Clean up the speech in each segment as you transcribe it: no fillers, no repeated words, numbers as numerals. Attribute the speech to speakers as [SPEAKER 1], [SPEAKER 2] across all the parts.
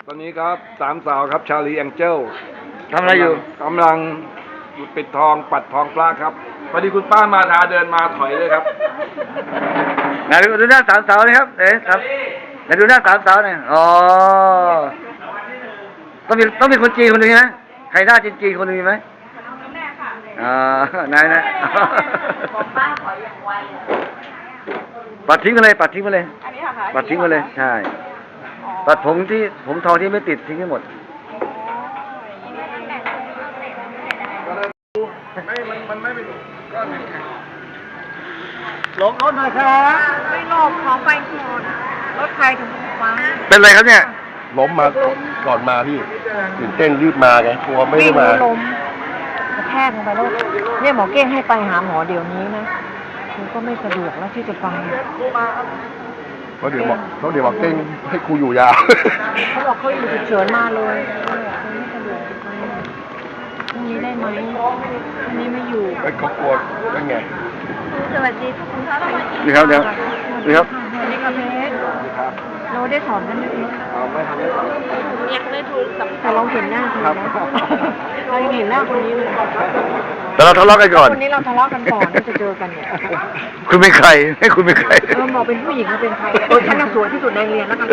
[SPEAKER 1] ตอนนี้ครับสามสาวครับชาลีแองเจล
[SPEAKER 2] ทำอะไรอยู่
[SPEAKER 1] กำลังปิดทองปัดทองปลาครับพอดีคุณป้ามาทาเดินมาถอยเลยครับ
[SPEAKER 2] ไหนดูหน้าสามสาวนะครับครับไหนดูหน้าสามสาวหน่อยอ๋อต้องมีคนจีนคนหนึงนะใครหน้าจีนคนหนึงมีไหมแม่ค่ะนายนะ
[SPEAKER 3] บอกป้าขออย่างไว
[SPEAKER 2] ปัดทิ้งไปเลยปัดทิ้งไปเลย
[SPEAKER 3] อันนี้เหรอคะ
[SPEAKER 2] ปัดทิ้งไปเลยใช่ปัดผมทองที่ไม่ติดทิ้งให้หมด
[SPEAKER 1] มันไม่เป็นก้อน
[SPEAKER 2] หลบรถหน่อยครับ
[SPEAKER 3] ไม่หลบขอไฟก่อนรถใครถึงฟัง
[SPEAKER 2] เป็นไรครับเนี่ย
[SPEAKER 4] ล้มมาก่อนมาพี่ตื่นเต้นรีบมาไงกลัวไม่ได้มา
[SPEAKER 3] ล้มกระแทกลงไปแล้วเนี่ยหมอเก้งให้ไปหาหมอเดี๋ยวนี้นะมันก็ไม่สะดวกแล้วที่จะไป
[SPEAKER 4] เพราะเดี๋ยวบอกเต้งให้ครูอยู่ยาว
[SPEAKER 3] เขาบอกเขาอยู่ฉุกเฉินมาเลยไม่สะดวกไปพรุ่งนี้ได้ไหมพรุ่งนี้ไม่อยู่
[SPEAKER 4] ไอ้เขากลัวนั่นไง
[SPEAKER 3] สวัสดีทุกคนครับ
[SPEAKER 2] นี่ครับเดี๋ยวนี่ครับ
[SPEAKER 3] สวัสดีครับเพชรเราได้สอนกันไหม
[SPEAKER 1] ไม่ทำได้
[SPEAKER 3] แต่เราเห็นหน้าคนนี้เรายังเห็นหน้าคนนี้เลย
[SPEAKER 2] แต่เราทะเลาะกันก่อน
[SPEAKER 3] คนนี้เราทะเลาะกันก่อนที่จะเจอกันเนี่ย
[SPEAKER 2] คุณเป็นใครให้คุณเป็นใคร
[SPEAKER 3] บอกเป็นผู้หญิงเขาเป็นใครฉันน่ะสวยที่สุดในเรียนแล้วกัน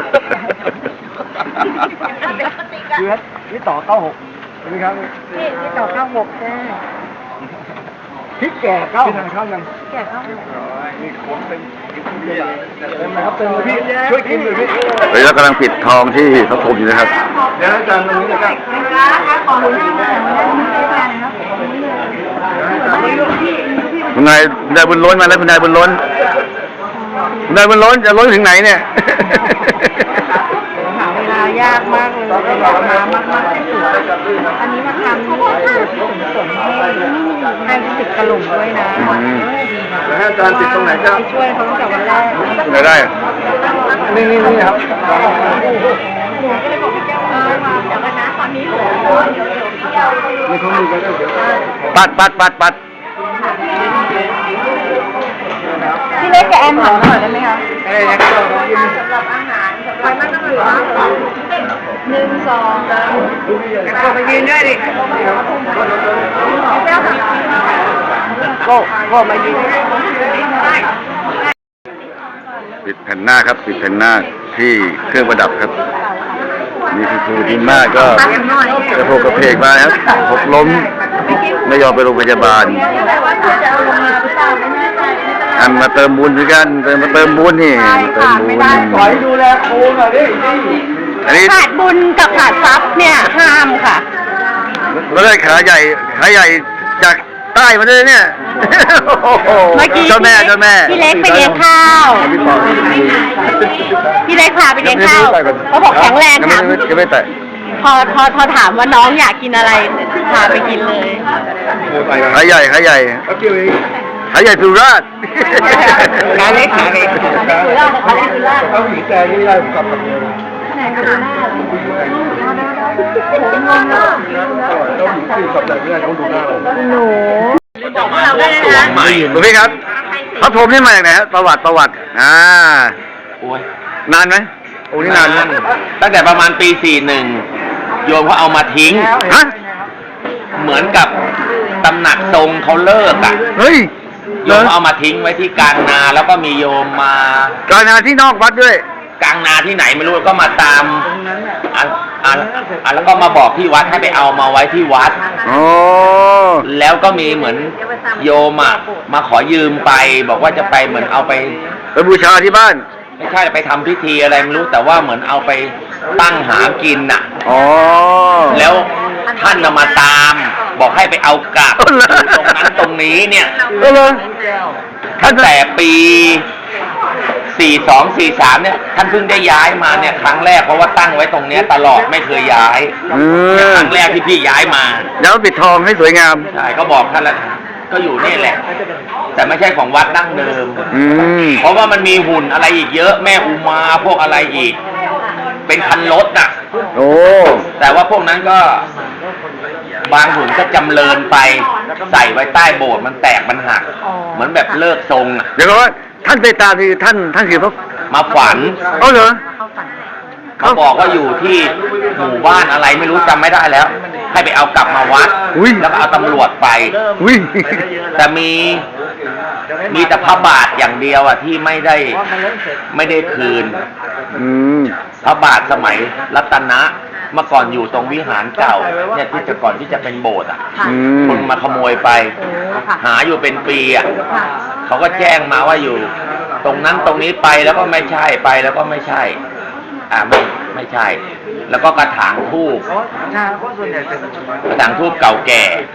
[SPEAKER 2] คือนี่ต่อ96นี่ครับ
[SPEAKER 3] นี่ต่อ96ใช่
[SPEAKER 2] พริกแก่9
[SPEAKER 1] พี่ทานข้าวยัง
[SPEAKER 3] แก่เข้า
[SPEAKER 1] นี่ของเต็มนะครับเต็มเลยพี่ช่วยกินหน่อยพี่
[SPEAKER 2] เฮ้ยเรากำลังปิดทองที่พระพรหมอยู่นะครับ
[SPEAKER 1] เดี๋ยวอาจารย์ตรงนี้นะครับ
[SPEAKER 3] ขอรู้ที่ไหนนะครับ
[SPEAKER 2] คุณนายบุญล้นมาแล้วคุณนายบุญล้นคุณนายบุญล้นจะล้นถึงไหนเนี่ย
[SPEAKER 3] หาเวลายากมากเลยอยากมามากที่สุดอันนี้มาทำที่สมให้ติดกระหล่ำด้วยนะ
[SPEAKER 1] แล้วให้อาจารย์ติดตรงไหนครับ
[SPEAKER 3] ช่วยเขาตั้งแต่วันแรก
[SPEAKER 2] ไหนได้
[SPEAKER 1] นี่ครับ
[SPEAKER 3] จากคณะตอนนี้
[SPEAKER 1] มีข้อมูลกันเดี๋ยว
[SPEAKER 2] ปัด
[SPEAKER 3] พี่เล็กกับแอมหอมหน่อยได้ไหมคะ
[SPEAKER 1] อะไรนะครับ
[SPEAKER 3] สำหรับอาหารไปมากก็คือ1 2
[SPEAKER 1] ก็มายืนด้วยดิ
[SPEAKER 3] เจ้าค่ะ
[SPEAKER 1] ก็มายืน
[SPEAKER 2] ปิดแผ่นหน้าครับปิดแผ่นหน้าที่เครื่องประดับครับนี่คือครูทีมมากก็กระโผกกระเพกมาครับหกล้มไม่ยอมไปโรงพยาบาลอันมาเติมบุญด้วยกันมาเติมบุญนี่เติมบุญ
[SPEAKER 1] ขอให้ดูแลครูหน่อยดิ
[SPEAKER 2] อันนี้
[SPEAKER 3] ขาดบุญกับขาดทรัพย์เนี่ยห้ามค่ะ
[SPEAKER 2] เราได้ขาใหญ่จากใต้มาด้วยเนี่ยเมื่อกี้เจ้าแม่
[SPEAKER 3] พี่เล็กไปเลี้ยงข้าวพี่เล็กพาไปเลี้ยงข้าวเขาบอกแข็งแรงค่ะ
[SPEAKER 2] ยังไม่แตะ
[SPEAKER 3] พอถามว่าน้องอยากกินอะไรพาไปกินเลย
[SPEAKER 2] ขาใหญ่
[SPEAKER 1] แป๊บเดียวเอง
[SPEAKER 2] ขาใหญ่สุราษฎร์
[SPEAKER 3] ขาเล็กสุราษฎร์ขาเล็กสุราษฎร์
[SPEAKER 1] เอาหญิงแต่นี่ได้กับ
[SPEAKER 3] ไหนก็ดูหน้าผมงงมาก
[SPEAKER 1] เราหญิงที่กับแต่ไม่ได้เขาดูหน้าเรา
[SPEAKER 3] หนูบอกพวกเราได้นะ
[SPEAKER 2] คุณพี่ครับพระพรหมนี่มาจากไหนครับประวัติ
[SPEAKER 5] โอ้ย
[SPEAKER 2] นานไหมโอ้นี่นาน
[SPEAKER 5] ตั้งแต่ประมาณปี 41 โยมเขาเอามาทิ้ง
[SPEAKER 2] ฮะ
[SPEAKER 5] เหมือนกับตำหนักทรงเขาเลิกอ่ะ
[SPEAKER 2] เฮ้ย
[SPEAKER 5] โยมเขาเอามาทิ้งไว้ที่กลางนา แล้วก็มีโยมมา
[SPEAKER 2] การงานที่นอกวัดด้วย
[SPEAKER 5] กลางนาที่ไหนไม่รู้ก็มาตามแล้วก็มาบอกที่วัดให้ไปเอามาไว้ที่วัด
[SPEAKER 2] อ๋อ
[SPEAKER 5] แล้วก็มีเหมือนโยมอ่ะมาขอยืมไป บอกว่าจะไปเหมือนเอาไป
[SPEAKER 2] ไปบูชาที่บ้าน
[SPEAKER 5] ไม่ใช่ไปทำพิธีอะไรไม่รู้แต่ว่าเหมือนเอาไปตั้งหากินน่ะ
[SPEAKER 2] อ๋อ
[SPEAKER 5] แล้วท่านมาตาม บอกให้ไปเอากลับ
[SPEAKER 2] เอาเหรอ
[SPEAKER 5] ตรงนั้นตรงนี้เนี่ย
[SPEAKER 2] เลย
[SPEAKER 5] ตั้งแต่ปี 42 43 เนี่ยท่านเพิ่งได้ย้ายมาเนี่ยครั้งแรกเพราะว่าตั้งไว้ตรงเนี้ยตลอดไม่เคยย้ายครั้งแรกที่พี่ย้ายมา
[SPEAKER 2] แล้วปิดทองให้สวยงาม
[SPEAKER 5] ใช่ก็บอกท่านแล้วก็อยู่นี่แหละ แต่ไม่ใช่ของวัดดั้งเดิม เพราะว่ามันมีหุ่นอะไรอีกเยอะแม่อุมาพวกอะไรอีก เป็นคันรถน่ะ
[SPEAKER 2] โอ้
[SPEAKER 5] แต่ว่าพวกนั้นก็บางหุ่นก็จำเริญไปใส่ไว้ใต้โบสถ์มันแตกมันหัก เหมือนแบบเลิกทรงอ่ะ
[SPEAKER 2] เดี๋ยวก่อนว่าท่านไปตามที่ท่านคือพระ
[SPEAKER 5] มาฝัน
[SPEAKER 2] เหรอ
[SPEAKER 5] เขาบอกว่าอยู่ที่หมู่บ้านอะไรไม่รู้จำไม่ได้แล้ว ให้ไปเอากลับมาวัด
[SPEAKER 2] อุ้ย
[SPEAKER 5] แล้วก็เอาตำรวจไป
[SPEAKER 2] อุ้ย
[SPEAKER 5] แต่มีแต่พระบาทอย่างเดียวอ่ะที่ไม่ได้คืน
[SPEAKER 2] อืม
[SPEAKER 5] พระบาทสมัยรัตนะเมื่อก่อนอยู่ตรงวิหารเก่าเนี่ยที่จะก่อนที่จะเป็นโบสถ์อ่ะ
[SPEAKER 3] ค่ะ
[SPEAKER 2] อืม
[SPEAKER 5] คนมาขโมยไป
[SPEAKER 3] โอ้ค่ะ
[SPEAKER 5] หาอยู่เป็นปีอ่ะ
[SPEAKER 3] ค่ะ
[SPEAKER 5] เขาก็แจ้งมาว่าอยู่ ตรงนั้นตรงนี้ไปแล้วก็ไม่ใช่ไปแล้วก็ไม่ใช่ ไม่ใช่ แล้วก็กระถางทูบกระถางทูบเก่าแก่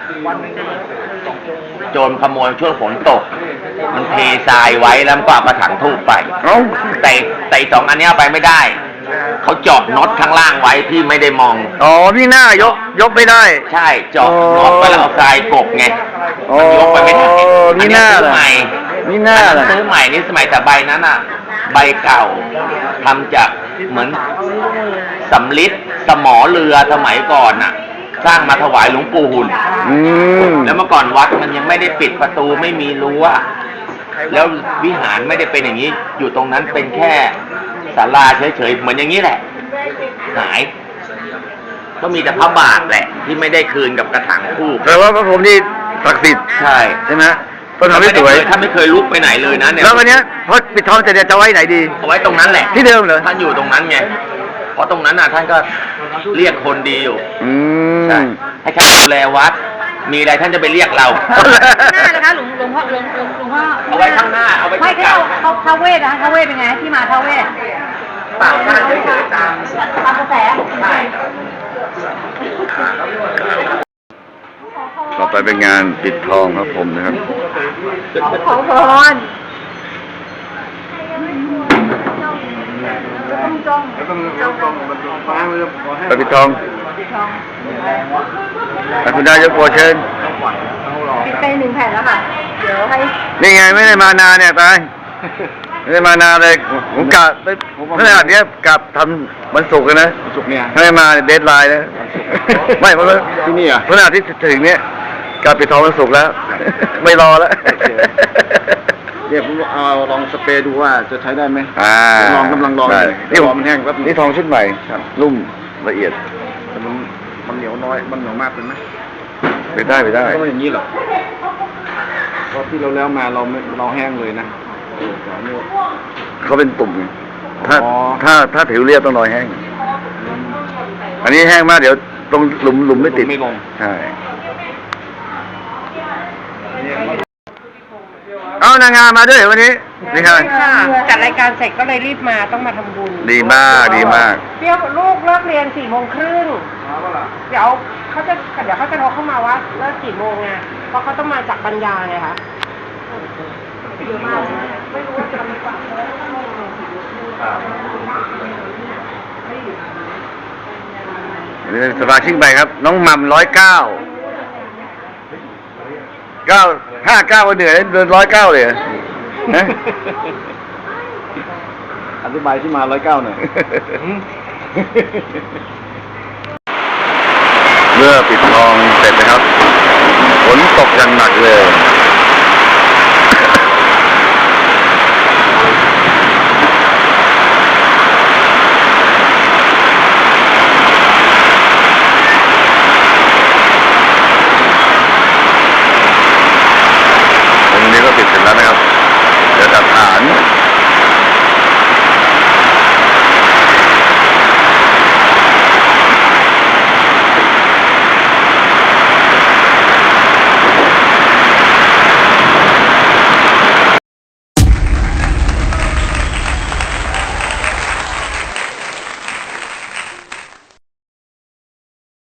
[SPEAKER 5] โจรขโมยช่วงฝนตก มันเททรายไว้แล้วก็เอากระถางทูบไป
[SPEAKER 2] เอ้า
[SPEAKER 5] แต่อีกสองอันเนี้ยเอาไปไม่ได้ เขาเจาะน็อตข้างล่างไว้ที่ไม่ได้มอง
[SPEAKER 2] อ๋อนี่หน้ายกไม่ได้
[SPEAKER 5] ใช่เจาะน็อตไปแล้วเอาทรายกบไง
[SPEAKER 2] อ๋อ
[SPEAKER 5] มันยกไปไม่ได้
[SPEAKER 2] นี่หน้า
[SPEAKER 5] อั
[SPEAKER 2] เหรอ
[SPEAKER 5] ซื้อใหม่
[SPEAKER 2] นี่หน้าเหรอ
[SPEAKER 5] ซื้อใหม่นี่สมัยแต่ใบนั้นอ่ะ ใบเก่าทำจากเหมือนสำลิดสมอเรือสมัยก่อนน่ะ สร้างมาถวายหลวงปู่หุ่น
[SPEAKER 2] อืม
[SPEAKER 5] แล้วเมื่อก่อนวัดมันยังไม่ได้ปิดประตูไม่มีรั้วแล้ววิหารไม่ได้เป็นอย่างนี้ อยู่ตรงนั้นเป็นแค่ศาลาเฉยๆเหมือนอย่างนี้แหละ หาย ก็มีแต่พระบาทแหละ ที่ไม่ได้คืนกับกระถางทูบ
[SPEAKER 2] แปลว่าพระพรหมนี่ศักดิ์สิทธิ์
[SPEAKER 5] ใช่
[SPEAKER 2] ใช่ไหมต้องทำให้สวย
[SPEAKER 5] ถ้าไม่เคยลุกไปไหนเลยนะเนี่ย
[SPEAKER 2] แล้ววันเนี้ยพอปิดทองเสร็จเนี่ยจะไว้ไหนดี
[SPEAKER 5] เอาไว้ตรงนั้นแหละ
[SPEAKER 2] ที่เดิมเหรอ
[SPEAKER 5] ท่านอยู่ตรงนั้นไง เพราะตรงนั้นน่ะท่านก็เรียกคนดีอยู่
[SPEAKER 2] อื
[SPEAKER 5] ใช่
[SPEAKER 2] ม
[SPEAKER 5] ให้ท่านดูแลวัด มีอะไรท่านจะไปเรียกเรา
[SPEAKER 3] หน้าเลยคะหลวงพ่อหลวงพ่อ
[SPEAKER 5] เอาไว้ข้างหน้าเอาไว้
[SPEAKER 3] ไม่
[SPEAKER 5] ข้าง
[SPEAKER 3] เขาท้าวเวสนะคะท้าวเวสเป็นไงที่มาท้าวเวส
[SPEAKER 5] เปล่าท่านเฉยๆตาม
[SPEAKER 3] ตามกระแส
[SPEAKER 5] ใช่
[SPEAKER 2] ต่อไปเป็นงานปิดทองพระพรหมนะครับ
[SPEAKER 3] ขอพรต้องจ้อง
[SPEAKER 2] ไปปิดทองไปคุณนายกโปรดเชิญ
[SPEAKER 3] ปิดไป1 แผ่นแล้วค่ะ เดี๋ยวให้
[SPEAKER 2] นี่ไงไม่ได้มานานเนี่ยไปไม่ได้มานานเลยผมกะไปขนาดเนี้ยกะทำวันศุกร์กันนะ
[SPEAKER 4] สุกเนี่ย
[SPEAKER 2] ไม่ได้มาเดทไลน์นะ ไม่เพราะว่า
[SPEAKER 4] ที่นี่อ่ะ
[SPEAKER 2] ขนาดที่ถึงเนี้ยกะปิดทองวันศุกร์แล้ว ไม่รอแล้ว
[SPEAKER 4] เดี๋ยวผมเอาลองสเปรย์ดูว่าจะใช้ได้ไหม
[SPEAKER 2] ลอง
[SPEAKER 4] กำลังลอง
[SPEAKER 2] ได้
[SPEAKER 4] อยู่
[SPEAKER 2] นี่ผม
[SPEAKER 4] มันแห้งแป๊บนึง
[SPEAKER 2] นี่ทองชุดใหม่นุ่มละเอียด
[SPEAKER 4] แต่มันเหนียวน้อยมันเหนียวมากเป็นไหม
[SPEAKER 2] ไปได้ไปได้
[SPEAKER 4] ก็ไม่อย่างนี้หรอกเพราะที่เราแล้วมาเราแห้งเลยนะ
[SPEAKER 2] เขาเป็นตุ่มไงถ้า
[SPEAKER 4] อ๋อ
[SPEAKER 2] ถ้าผิวเรียบต้องรอยแห้ง อันนี้แห้งมากเดี๋ยวตรงหลุมไม่ติด
[SPEAKER 4] ไม่ลง
[SPEAKER 2] ใช่เอานางงามมาด้วยวันนี้นี่ครับ
[SPEAKER 3] จัดรายการเสร็จก็เลยรีบมาต้องมาทำบุญ
[SPEAKER 2] ดีมากดีมาก
[SPEAKER 3] เดี๋ยวลูกเลิกเรียน4 โมงครึ่งเดี๋ยวเขาจะโทรเข้ามาว่าเลิกกี่โมงไงเพราะเขาต้องมาจากปัญญาไงคะเยอะมากไม่รู้ว่าจะมีฝั่งเลย
[SPEAKER 2] นี่สมาชิกใหม่ครับ น้องหม่ำ959วันเหนื่อยเดิน109เลยเหรอฮะ
[SPEAKER 4] อธิบายที่มา109หน่อย
[SPEAKER 2] เมื่อปิดทองเสร็จนะครับ